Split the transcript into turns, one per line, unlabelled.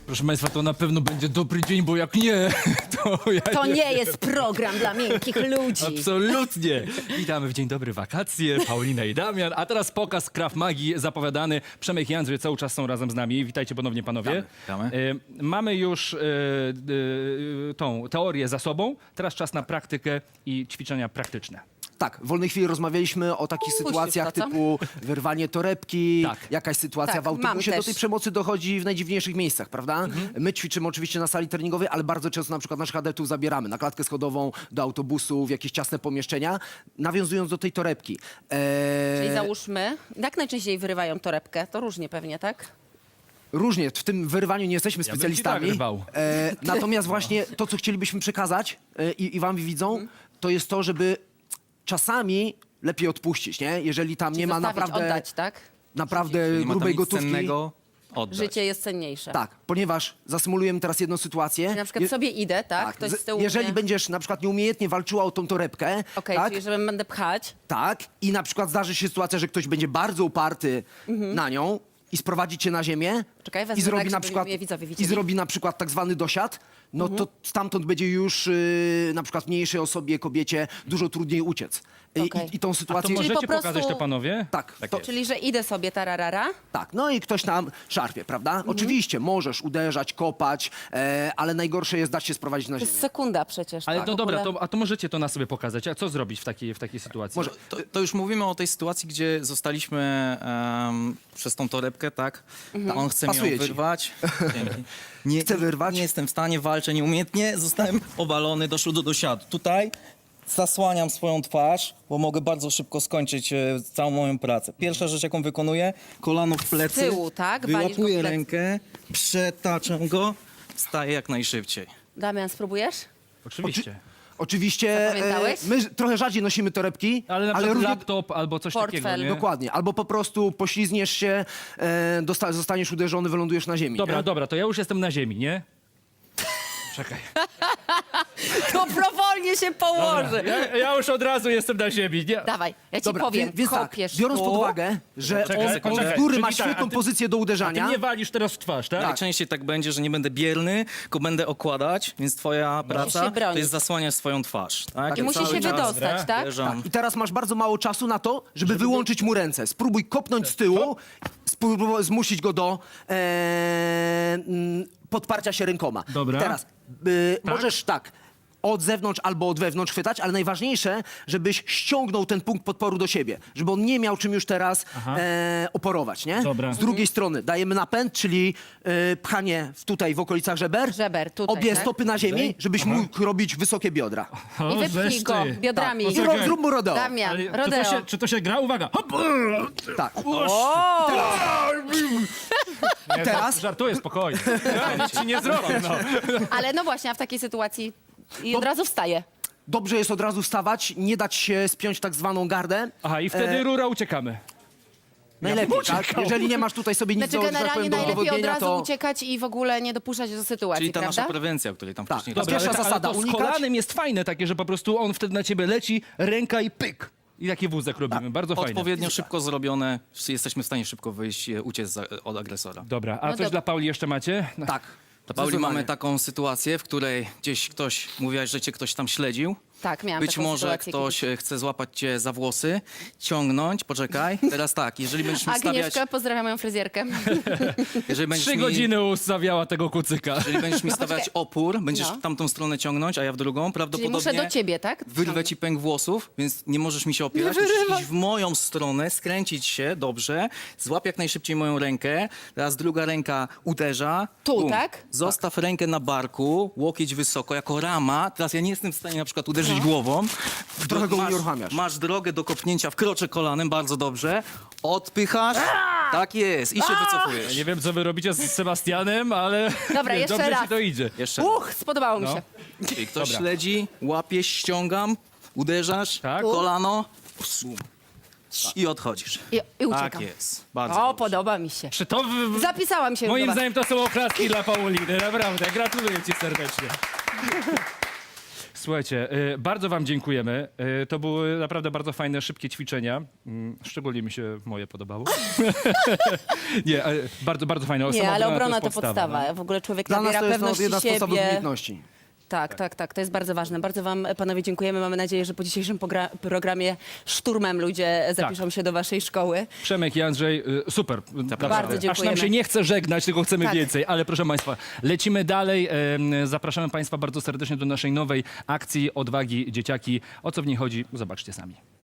Proszę Państwa, to na pewno będzie dobry dzień, bo jak nie, to ja
To nie jest program dla miękkich ludzi.
Absolutnie. Witamy w Dzień Dobry Wakacje, Paulina i Damian. A teraz pokaz Krav Magii zapowiadany. Przemek i Andrzej cały czas są razem z nami. Witajcie ponownie, panowie.
Witamy.
Mamy już tą teorię za sobą. Teraz czas na praktykę i ćwiczenia praktyczne.
Tak, w wolnej chwili rozmawialiśmy o takich sytuacjach
to, co?
typu wyrwanie torebki,
Tak.
jakaś sytuacja
Tak,
w autobusie.
mam
Do tej
też.
przemocy dochodzi w najdziwniejszych miejscach, prawda? My ćwiczymy oczywiście na sali treningowej, ale bardzo często na przykład naszych adeptów zabieramy na klatkę schodową, do autobusu, w jakieś ciasne pomieszczenia, nawiązując do tej torebki.
Czyli załóżmy, jak najczęściej wyrywają torebkę? To różnie pewnie, tak?
Różnie, w tym wyrywaniu nie jesteśmy
Ja bym ci
specjalistami.
tak rwał.
Natomiast właśnie to, co chcielibyśmy przekazać i wam widzą, to jest to, żeby czasami lepiej odpuścić, nie? Jeżeli tam nie ma
Zostawić,
naprawdę,
oddać, tak?
naprawdę
Nie ma tam
grubej
nic
gotówki.
cennego, oddać.
Życie jest cenniejsze.
Tak, ponieważ zasymulujemy teraz jedną sytuację.
Na przykład sobie idę, tak? Ktoś z tyłu
Jeżeli
mnie...
będziesz na przykład nieumiejętnie walczyła o tą torebkę,
Okej,
tak,
czyli żebym będę pchać.
tak, i na przykład zdarzy się sytuacja, że ktoś będzie bardzo uparty na nią i sprowadzi cię na ziemię
Czekaj, wezmę
i zrobi
tak,
na
żeby
przykład
mnie widzowie
i
widzieli.
zrobi na przykład tak zwany dosiad, no to stamtąd będzie już na przykład mniejszej osobie, kobiecie dużo trudniej uciec.
Okej.
I tą
A to
sytuację...
Czyli
możecie
po prostu-
pokazać to, panowie?
Tak, to,
Czyli, że idę sobie tararara.
tak, no i ktoś tam szarpie, prawda? Oczywiście możesz uderzać, kopać, ale najgorsze jest dać się sprowadzić na
To
ziemię.
jest sekunda przecież.
Ale
tak?
no
W
dobra,
ogóle-
a to możecie to na sobie pokazać. A co zrobić w takiej sytuacji?
Może-
To już mówimy o tej sytuacji, gdzie zostaliśmy przez tą torebkę, tak? On chce
Pasuje
mnie
ci.
wyrwać. Dzięki. Nie,
Chce wyrwać?
Nie jestem w stanie, walczę nieumiejętnie. Zostałem obalony, doszło do dosiadu. Tutaj zasłaniam swoją twarz, bo mogę bardzo szybko skończyć całą moją pracę. Pierwsza rzecz, jaką wykonuję, kolano w plecy.
Z tyłu, tak? Walisz go w
Wyłapuję
plecy.
rękę, przetaczam go, wstaję jak najszybciej.
Damian, spróbujesz?
Oczywiście.
Oczywiście
Zapamiętałeś?
my trochę rzadziej nosimy torebki,
Ale na przykład
różnie...
laptop albo coś
Portfel.
takiego, nie?
Dokładnie, albo po prostu poślizgniesz się, zostaniesz uderzony, wylądujesz na ziemi.
Dobra,
nie?
dobra, to ja już jestem na ziemi, nie? Czekaj.
Dobrowolnie się położy.
Ja już od razu jestem na ziemi. Nie?
Dawaj, ja ci
Dobra,
powiem.
więc tak,
Kopiesz
biorąc
tu.
pod uwagę, że
Czekaj,
on
czekaj,
z góry
czyli
ma
tak,
świetną
a ty-
pozycję do
Ty
uderzania.
mnie walisz teraz w twarz, tak?
Najczęściej tak będzie, że nie będę bierny, tylko będę okładać, więc twoja
się
praca
bronić.
to jest zasłaniać swoją twarz. Tak?
I musisz
Cały
się
czas
wydostać, tak?
uderzam.
I teraz masz bardzo mało czasu na to, żeby wyłączyć mu ręce. Spróbuj kopnąć z tyłu, spróbuj zmusić go do podparcia się rękoma.
Dobra.
Teraz możesz tak od zewnątrz albo od wewnątrz chwytać, ale najważniejsze, żebyś ściągnął ten punkt podporu do siebie, żeby on nie miał czym już teraz oporować, nie?
Dobra.
Z drugiej strony dajemy napęd, czyli pchanie tutaj w okolicach żeber.
Żeber, tutaj,
Obie
tak?
stopy na ziemi, żebyś mógł robić wysokie biodra.
O,
I wypchnij
żeż
go
ty.
biodrami.
Tak.
Poczekaj.
Zrób mu rodeo.
Damian,
Ale
rodeo.
czy to się gra? Uwaga! Hop!
Tak.
O!
Nie,
Teraz?
Żartuję, spokojnie. Ja nic ci nie zrobię, no.
Ale no właśnie, a w takiej sytuacji i od razu wstaję.
Dobrze jest od razu wstawać, nie dać się spiąć tak zwaną gardę.
Aha, i wtedy rura uciekamy.
Najlepiej, tak? Jeżeli nie masz tutaj sobie nic
Znaczy
do, że tak
generalnie
powiem, do
najlepiej od
udowodnienia,
razu
to...
uciekać i w ogóle nie dopuszczać do sytuacji,
Czyli ta
prawda?
nasza prewencja, o której tam
Tak.
wcześniej
Dobra,
rozmawialiśmy.
pierwsza zasada,
ale to z
unikać.
kolanem jest fajne takie, że po prostu on wtedy na ciebie leci, ręka i pyk. I taki wózek robimy, bardzo fajne.
Odpowiednio szybko zrobione, jesteśmy w stanie szybko wyjść, uciec od agresora.
Dobra, a
No
coś
dobra.
dla Pauli jeszcze macie? No.
Tak.
Dla Pauli
Zdecydowanie.
mamy taką sytuację, w której gdzieś ktoś, mówiłaś, że cię ktoś tam śledził.
Tak, miałam
Być
taką
może
sytuację
ktoś chce złapać cię za włosy, ciągnąć, poczekaj. Teraz tak, jeżeli będziesz mi stawiać,
Agnieszkę, pozdrawiam moją fryzjerkę.
jeżeli będziesz
3
mi,
godziny ustawiała tego kucyka.
jeżeli będziesz mi stawiać
poczekaj.
opór, będziesz
No.
w tamtą stronę ciągnąć, a ja w drugą,
Czyli
prawdopodobnie
muszę do ciebie, tak?
wyrwę ci pęk włosów, więc nie możesz mi się opierać. Musisz iść w moją stronę, skręcić się, dobrze. Złap jak najszybciej moją rękę. Teraz druga ręka uderza.
Tu, tak?
Zostaw rękę na barku, łokieć wysoko, jako rama. Teraz ja nie jestem w stanie na przykład uderzyć głową.
Trochę go unieruchamiasz.
Masz drogę do kopnięcia, wkroczę kolanem, bardzo dobrze. Odpychasz. Tak jest. I się wycofujesz.
Nie wiem, co wy robicie z Sebastianem, ale
Dobra, jeszcze
dobrze
raz.
ci to idzie.
Jeszcze.
Spodobało mi
No.
się.
Czyli ktoś
Dobra.
śledzi, łapie, ściągam, uderzasz,
Tak.
kolano, psum. I odchodzisz.
I uciekam.
Tak jest. Bardzo
O,
dobrze.
podoba mi się.
To
Zapisałam się.
moim
zobacz.
zdaniem to są oklaski dla Pauliny, naprawdę. Gratuluję ci serdecznie. Słuchajcie, bardzo wam dziękujemy. To były naprawdę bardzo fajne, szybkie ćwiczenia. Szczególnie mi się moje podobało. Nie, bardzo, bardzo fajne.
Nie, ale obrona
jest
to podstawa.
no.
W ogóle człowiek
Dla nas
nabiera
to jest
pewności
jedna z podstawowych
siebie.
umiejętności.
Tak, to jest bardzo ważne. Bardzo wam, panowie, dziękujemy. Mamy nadzieję, że po dzisiejszym programie szturmem ludzie zapiszą się do waszej szkoły.
Przemek i Andrzej, super. Naprawdę.
Bardzo
Aż
dziękujemy.
nam się nie chce żegnać, tylko chcemy
Tak.
więcej. Ale proszę państwa, lecimy dalej. Zapraszamy państwa bardzo serdecznie do naszej nowej akcji Odwagi Dzieciaki. O co w niej chodzi? Zobaczcie sami.